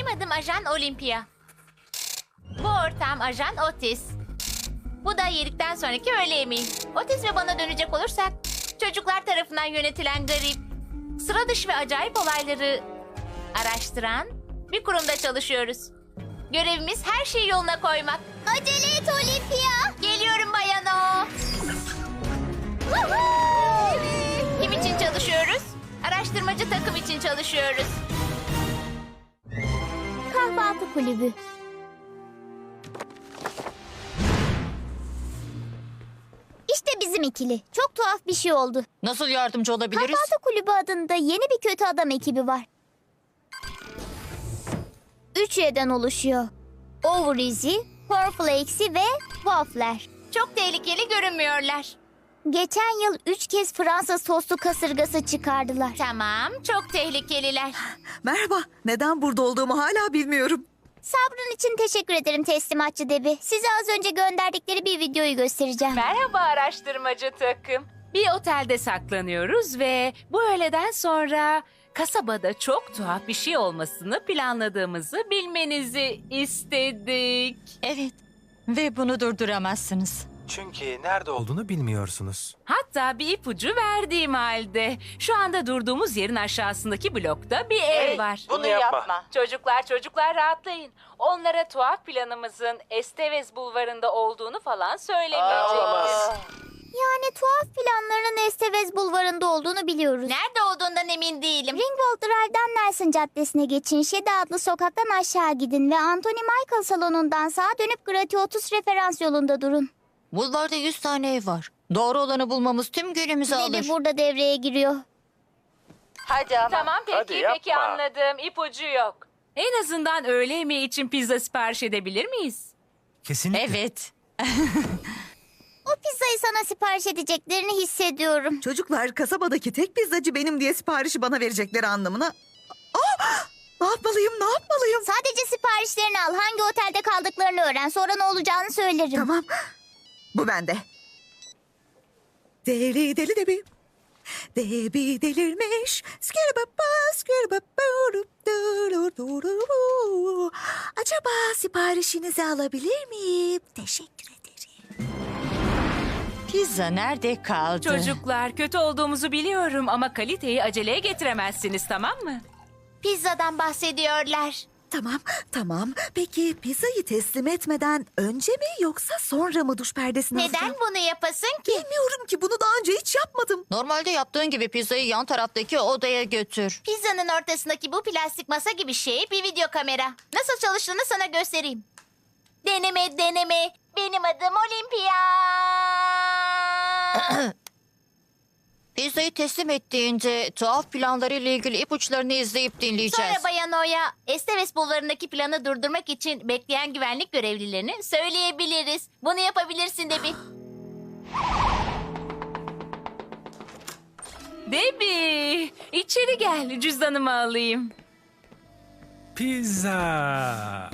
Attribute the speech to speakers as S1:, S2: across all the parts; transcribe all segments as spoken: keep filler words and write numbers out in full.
S1: Benim adım Ajan Olympia. Bu ortağım Ajan Otis. Bu da yedikten sonraki öğle yemeği. Otis ve bana dönecek olursak, çocuklar tarafından yönetilen garip, sıra dışı ve acayip olayları araştıran bir kurumda çalışıyoruz. Görevimiz her şeyi yoluna koymak. Acele et Olympia. Geliyorum Bayan O. Kim için çalışıyoruz? Araştırmacı takım için çalışıyoruz.
S2: Kahvaltı kulübü. İşte bizim ikili. Çok tuhaf bir şey oldu.
S3: Nasıl yardımcı olabiliriz?
S2: Kahvaltı kulübü adında yeni bir kötü adam ekibi var. Üç üyeden oluşuyor. Overeasy, Cornflakes'i ve Waffler.
S1: Çok tehlikeli görünmüyorlar.
S2: Geçen yıl üç kez Fransız soslu kasırgası çıkardılar.
S1: Tamam, çok tehlikeliler.
S4: Merhaba. Neden burada olduğumu hala bilmiyorum.
S2: Sabrın için teşekkür ederim teslimatçı Debi. Size az önce gönderdikleri bir videoyu göstereceğim.
S5: Merhaba araştırmacı takım. Bir otelde saklanıyoruz ve bu öğleden sonra kasabada çok tuhaf bir şey olmasını planladığımızı bilmenizi istedik.
S3: Evet. Ve bunu durduramazsınız.
S6: Çünkü nerede olduğunu bilmiyorsunuz.
S5: Hatta bir ipucu verdiğim halde şu anda durduğumuz yerin aşağısındaki blokta bir ev var.
S6: Bunu yapma.
S5: Çocuklar çocuklar rahatlayın. Onlara tuhaf planımızın Estevez Bulvarı'nda olduğunu falan söylemeyeceğiz.
S2: Yani tuhaf planlarının Estevez Bulvarı'nda olduğunu biliyoruz.
S1: Nerede olduğundan emin değilim.
S2: Ringgold Drive'dan Nelson Caddesi'ne geçin. Şedi adlı sokaktan aşağı gidin ve Anthony Michael salonundan sağa dönüp Gratiotous referans yolunda durun.
S3: Bulvarda yüz tane ev var. Doğru olanı bulmamız tüm günümüzü alır.
S2: Debi burada devreye giriyor.
S3: Hadi ama.
S5: Tamam peki
S6: Hadi yapma.
S5: peki anladım. İpucu yok. En azından öğle yemeği için pizza sipariş edebilir miyiz?
S6: Kesinlikle.
S3: Evet.
S2: O pizzayı sana sipariş edeceklerini hissediyorum.
S4: Çocuklar kasabadaki tek pizzacı benim diye siparişi bana verecekleri anlamına. Aa! Ne yapmalıyım, ne yapmalıyım?
S2: Sadece siparişlerini al. Hangi otelde kaldıklarını öğren. Sonra ne olacağını söylerim.
S4: Tamam. Bu bende. Deli deli debi. Debi delirmiş. Skirababa, skirababa, du-du-du-du-du. Acaba siparişinizi alabilir miyim? Teşekkür ederim.
S3: Pizza nerede kaldı?
S5: Çocuklar kötü olduğumuzu biliyorum ama kaliteyi aceleye getiremezsiniz tamam mı?
S1: Pizzadan bahsediyorlar.
S4: Tamam, tamam. Peki pizzayı teslim etmeden önce mi yoksa sonra mı duş perdesini
S1: Neden
S4: alacağım?
S1: bunu yapasın ki?
S4: Bilmiyorum ki, bunu daha önce hiç yapmadım.
S3: Normalde yaptığın gibi pizzayı yan taraftaki odaya götür.
S1: Pizzanın ortasındaki bu plastik masa gibi şey bir video kamera. Nasıl çalıştığını sana göstereyim. Deneme deneme. Benim adım Olympia.
S3: Pizzayı teslim ettiğince tuhaf planlarıyla ilgili ipuçlarını izleyip dinleyeceğiz.
S1: Sonra Bayan O'ya Esteves Bulvarı'ndaki planı durdurmak için bekleyen güvenlik görevlilerini söyleyebiliriz. Bunu yapabilirsin Debi.
S5: Debbie içeri gel cüzdanımı alayım.
S6: Pizza.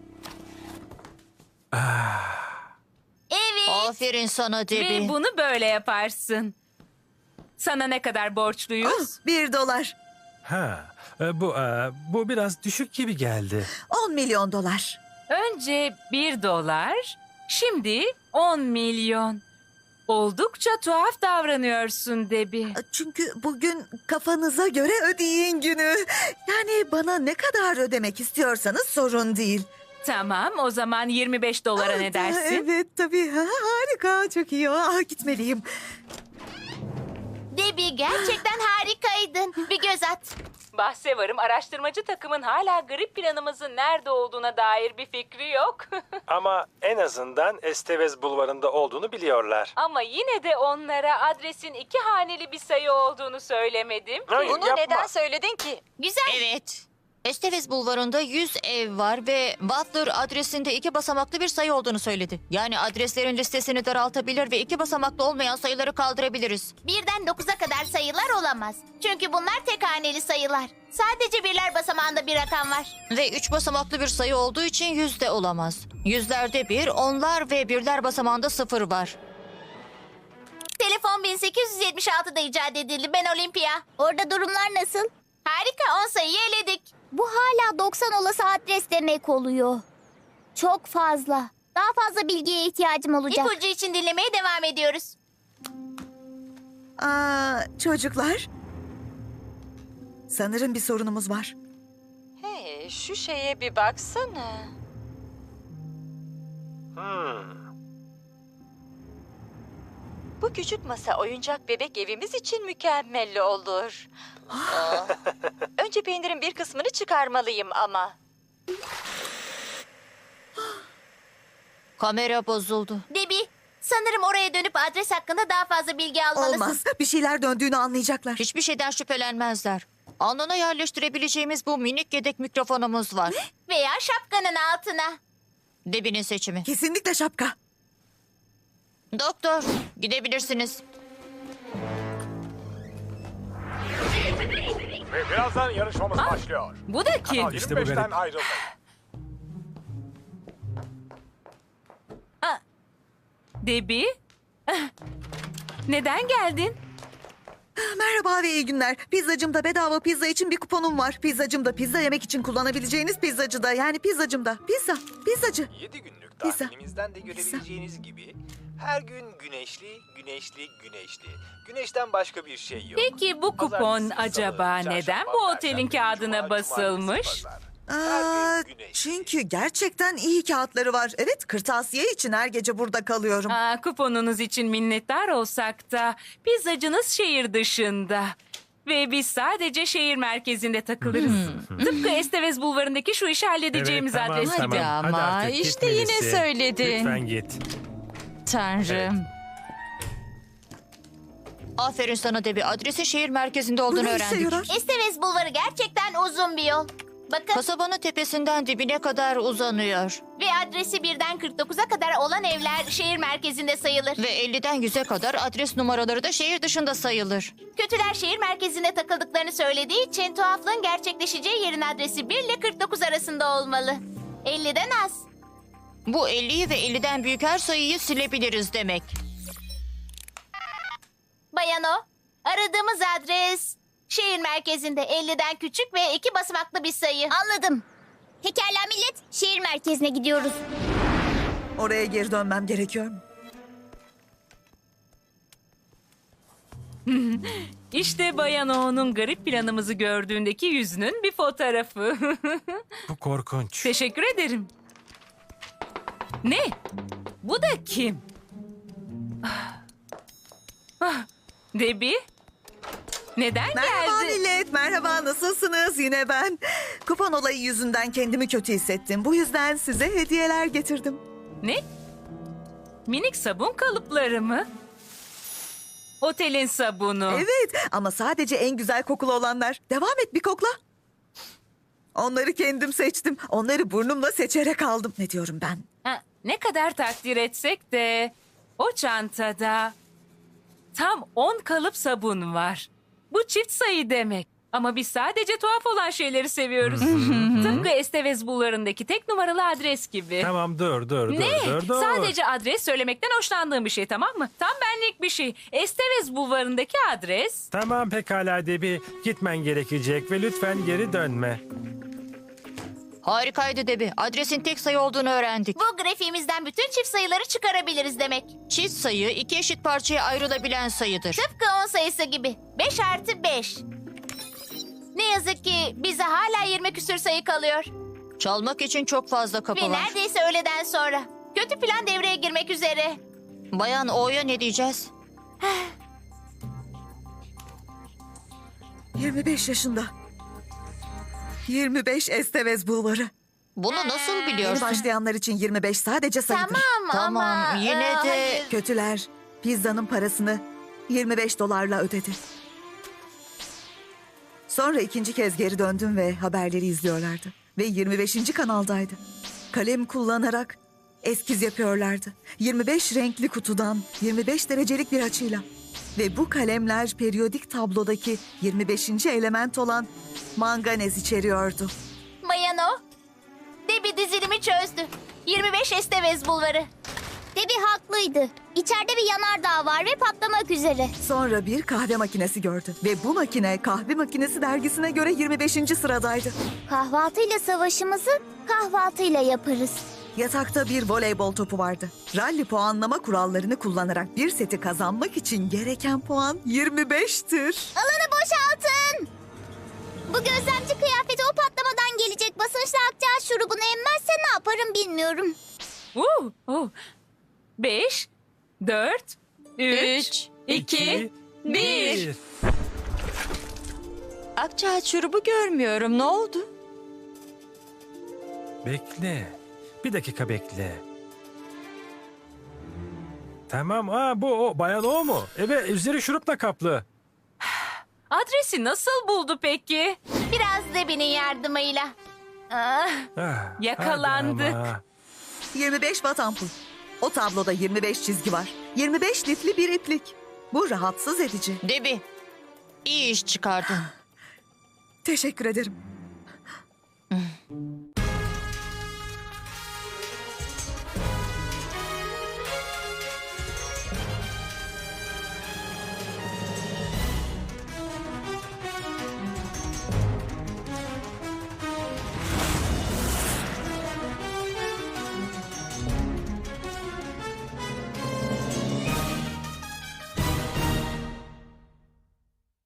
S1: Evet.
S3: Aferin sana Debbie.
S5: Ve bunu böyle yaparsın. Sana ne kadar borçluyuz?
S4: Ah, bir dolar.
S6: Ha, e, bu e, bu biraz düşük gibi geldi.
S4: On milyon dolar.
S5: Önce bir dolar, şimdi on milyon. Oldukça tuhaf davranıyorsun Debbie.
S4: Çünkü bugün kafanıza göre ödeyin günü. Yani bana ne kadar ödemek istiyorsanız sorun değil.
S5: Tamam, o zaman yirmi beş dolara ne
S4: Ah,
S5: dersin?
S4: Evet tabii. Ha, harika, çok iyi. Ah, gitmeliyim.
S1: Debi gerçekten harikaydın. Bir göz at.
S5: Bahse varım araştırmacı takımın hala grip planımızın nerede olduğuna dair bir fikri yok.
S6: Ama en azından Estevez Bulvarı'nda olduğunu biliyorlar.
S5: Ama yine de onlara adresin iki haneli bir sayı olduğunu söylemedim ki.
S6: Hayır,
S3: Bunu
S6: yapma.
S3: neden söyledin ki?
S1: Güzel.
S3: Evet. Estevez Bulvarı'nda yüz ev var ve Butler adresinde iki basamaklı bir sayı olduğunu söyledi. Yani adreslerin listesini daraltabilir ve iki basamaklı olmayan sayıları kaldırabiliriz.
S1: Birden dokuza kadar sayılar olamaz. Çünkü bunlar tek haneli sayılar. Sadece birler basamağında bir rakam var.
S3: Ve üç basamaklı bir sayı olduğu için yüz de olamaz. Yüzlerde bir, onlar ve birler basamağında sıfır var.
S1: Telefon bin sekiz yüz yetmiş altıda icat edildi. Ben Olympia.
S2: Orada durumlar nasıl?
S1: Harika, on sayıyı eledik.
S2: Bu hala doksan olası adres demek oluyor. Çok fazla. Daha fazla bilgiye ihtiyacım olacak.
S1: İpucu için dinlemeye devam ediyoruz.
S4: Aa, çocuklar. Sanırım bir sorunumuz var.
S3: Hey, şu şeye bir baksana.
S6: Hmm.
S3: Bu küçük masa oyuncak bebek evimiz için mükemmel olur. Aa, önce peynirin bir kısmını çıkarmalıyım ama. Kamera bozuldu.
S1: Debbie, sanırım oraya dönüp adres hakkında daha fazla bilgi almalısın.
S4: Olmaz. Bir şeyler döndüğünü anlayacaklar.
S3: Hiçbir şeyden şüphelenmezler. Alnına yerleştirebileceğimiz bu minik yedek mikrofonumuz var.
S1: Veya şapkanın altına.
S3: Debbie'nin seçimi.
S4: Kesinlikle şapka.
S3: Doktor, gidebilirsiniz.
S7: Ve birazdan yarışmamız başlıyor.
S5: Bu da kim?
S7: Kanal
S6: İşte bu
S7: yirmi beşten
S6: garip.
S7: ayrıldı.
S5: Debbie? Ah, neden geldin?
S4: Merhaba ve iyi günler. Pizzacımda bedava pizza için bir kuponum var. Pizzacımda pizza yemek için kullanabileceğiniz pizzacıda. Yani pizzacımda. Pizza. Pizzacı.
S8: yedi günlük
S4: Pizza.
S8: tatilimizden de görebileceğiniz gibi her gün güneşli, güneşli, güneşli. Güneşten başka bir şey yok.
S5: Peki bu kupon
S8: Pazartesi,
S5: acaba
S8: salı,
S5: neden
S8: çarşamba,
S5: bu otelin
S8: perşembe,
S5: kağıdına
S8: cuma,
S5: basılmış?
S8: cumartesi, pazar.
S4: Aa,
S8: Her gün güneşli.
S4: çünkü gerçekten iyi kağıtları var. Evet, kırtasiye için her gece burada kalıyorum.
S5: Aa, kuponunuz için minnettar olsak da pizzacınız şehir dışında. Ve biz sadece şehir merkezinde takılırız. Tıpkı Estevez Bulvarı'ndaki şu işi halledeceğimiz
S9: Evet, tamam,
S5: adres
S9: tamam.
S5: gibi.
S9: Hadi
S3: ama,
S9: artık
S3: işte yine
S9: gitmelisin.
S3: söyledin.
S9: Lütfen git.
S3: Tanrım. Aferin sana Debbie. Adresin şehir merkezinde olduğunu
S4: Bu ne işe
S3: öğrendik.
S4: yarar?
S1: Estevez Bulvarı gerçekten uzun bir yol. Bakın
S3: Kasabanın tepesinden dibine kadar uzanıyor.
S1: ve adresi birden kırk dokuza kadar olan evler şehir merkezinde sayılır.
S3: Ve elliden yüze kadar adres numaraları da şehir dışında sayılır.
S1: Kötüler şehir merkezinde takıldıklarını söylediği için tuhaflığın gerçekleşeceği yerin adresi bir ile kırk dokuz arasında olmalı. elliden az.
S3: Bu elliyi ve elliden büyük her sayıyı silebiliriz demek.
S1: Bayan o, aradığımız adres şehir merkezinde elliden küçük ve iki basamaklı bir sayı.
S2: Anladım. Pekala millet, şehir merkezine gidiyoruz.
S4: Oraya geri dönmem gerekiyor mu?
S5: İşte Bayan O'nun garip planımızı gördüğündeki yüzünün bir fotoğrafı.
S9: Bu korkunç.
S5: Teşekkür ederim. Ne? Bu da kim? Ah. Ah, Debbie? Neden
S4: Merhaba
S5: geldi?
S4: millet, merhaba nasılsınız? Yine ben. Kupon olayı yüzünden kendimi kötü hissettim. Bu yüzden size hediyeler getirdim.
S5: Ne? Minik sabun kalıpları mı? Otelin sabunu.
S4: Evet ama sadece en güzel kokulu olanlar. Devam et bir kokla. Onları kendim seçtim. Onları burnumla seçerek aldım. Ne diyorum ben?
S5: Ha, ne kadar takdir etsek de o çantada tam on kalıp sabun var. Bu çift sayı demek. Ama biz sadece tuhaf olan şeyleri seviyoruz. Tıpkı Estevez Bulvarı'ndaki tek numaralı adres gibi.
S9: Tamam dur dur dur
S5: Ne?
S9: dur dur.
S5: Sadece adres söylemekten hoşlandığım bir şey, tamam mı? Tam benlik bir şey. Estevez Bulvarı'ndaki adres.
S9: Tamam pekala Debbie. Gitmen gerekecek ve lütfen geri dönme.
S3: Harikaydı Debbie. Adresin tek sayı olduğunu öğrendik.
S1: Bu grafiğimizden bütün çift sayıları çıkarabiliriz demek.
S3: Çift sayı iki eşit parçaya ayrılabilen sayıdır.
S1: Tıpkı on sayısı gibi. beş artı beş. Ne yazık ki bize hala yirmi küsür sayı kalıyor.
S3: Çalmak için çok fazla kapı
S1: Ve
S3: var.
S1: neredeyse öğleden sonra. Kötü plan devreye girmek üzere.
S3: Bayan O'ya ne diyeceğiz?
S4: yirmi beş yaşında. yirmi beş Estevez Bulvarı.
S3: Bunu nasıl
S4: Yeni
S3: biliyorsun?
S4: başlayanlar için yirmi beş sadece sayıdır.
S1: Tamam,
S3: Tamam,
S1: ama...
S3: yine
S1: e,
S3: de-
S1: hayır.
S4: Kötüler pizzanın parasını yirmi beş dolarla ödedi. Sonra ikinci kez geri döndüm ve haberleri izliyorlardı. Ve yirmi beşinci kanaldaydı. Kalem kullanarak eskiz yapıyorlardı. yirmi beş renkli kutudan yirmi beş derecelik bir açıyla. Ve bu kalemler periyodik tablodaki yirmi beşinci element olan manganez içeriyordu.
S1: Bayan o. Debbie dizilimi çözdü. yirmi beş Estevez Bulvarı.
S2: Debbie haklıydı. İçeride bir yanardağ var ve patlamak üzere.
S4: Sonra bir kahve makinesi gördü. Ve bu makine kahve makinesi dergisine göre yirmi beşinci sıradaydı.
S2: Kahvaltıyla savaşımızı kahvaltıyla yaparız.
S4: Yatakta bir voleybol topu vardı. Rally puanlama kurallarını kullanarak bir seti kazanmak için gereken puan yirmi beştir.
S2: Alanı boşaltın. Bu gözlemci kıyafeti o patlamadan gelecek basınçla akciğer şurubunu emmezse ne yaparım bilmiyorum.
S5: Uh, uh. Beş, dört, üç,
S3: Üç,
S5: iki, bir.
S3: Akçaağaç şurubu görmüyorum. Ne oldu?
S9: Bekle. Bir dakika bekle. Tamam. Aa, bu o. Bayan o mu? Evet, üzeri şurupla kaplı.
S5: Adresi nasıl buldu peki?
S1: Biraz Debbie'nin yardımıyla.
S5: Ah,
S9: Ah,
S5: Yakalandık.
S9: hadi ama.
S4: yirmi beş watt ampul. O tabloda yirmi beş çizgi var. yirmi beş lifli bir iplik. Bu rahatsız edici.
S3: Debbie, iyi iş çıkardın.
S4: Teşekkür ederim.